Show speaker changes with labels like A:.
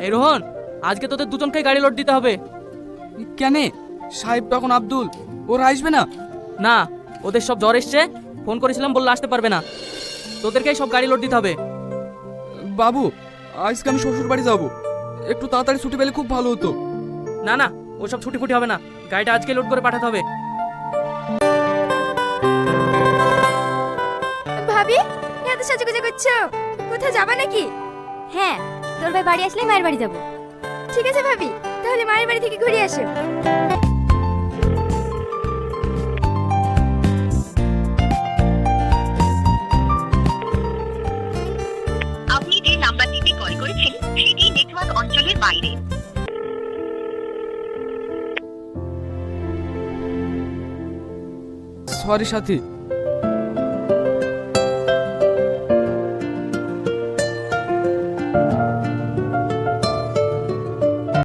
A: এই রোহন, আজকে তোদের দুজনকে গাড়ি লোড দিতে হবে।
B: কেন? সাহেব তখন আব্দুল ওরা আসবে না?
A: না, ওদের সব জ্বর এসছে, ফোন করেছিলাম বললে আসতে পারবে না। তোদেরকেই সব গাড়ি লোড দিতে হবে।
B: বাবু, আজকে আমি শ্বশুর বাড়ি যাবো, একটু তাড়াতাড়ি ছুটি পেলে খুব ভালো হতো।
A: না না, ওসব ছুটি ফুটি হবে না, গাড়িটা আজকে লোড করে পাঠাতে হবে।
C: ভাবি, এত সাজুগুজু করছো, কোথাও যাবা নাকি? হ্যাঁ, তোর ভাই বাড়ি আসলে মায়ের বাড়ি যাব। ঠিক আছে ভাবি, তাহলে মায়ের বাড়ি থেকে ঘুরে আসো।
D: আপনি যে নাম্বারটিতে কল করেছেন সেটি নেটওয়ার্ক অঞ্চলের বাইরে।
B: সরি সাথী,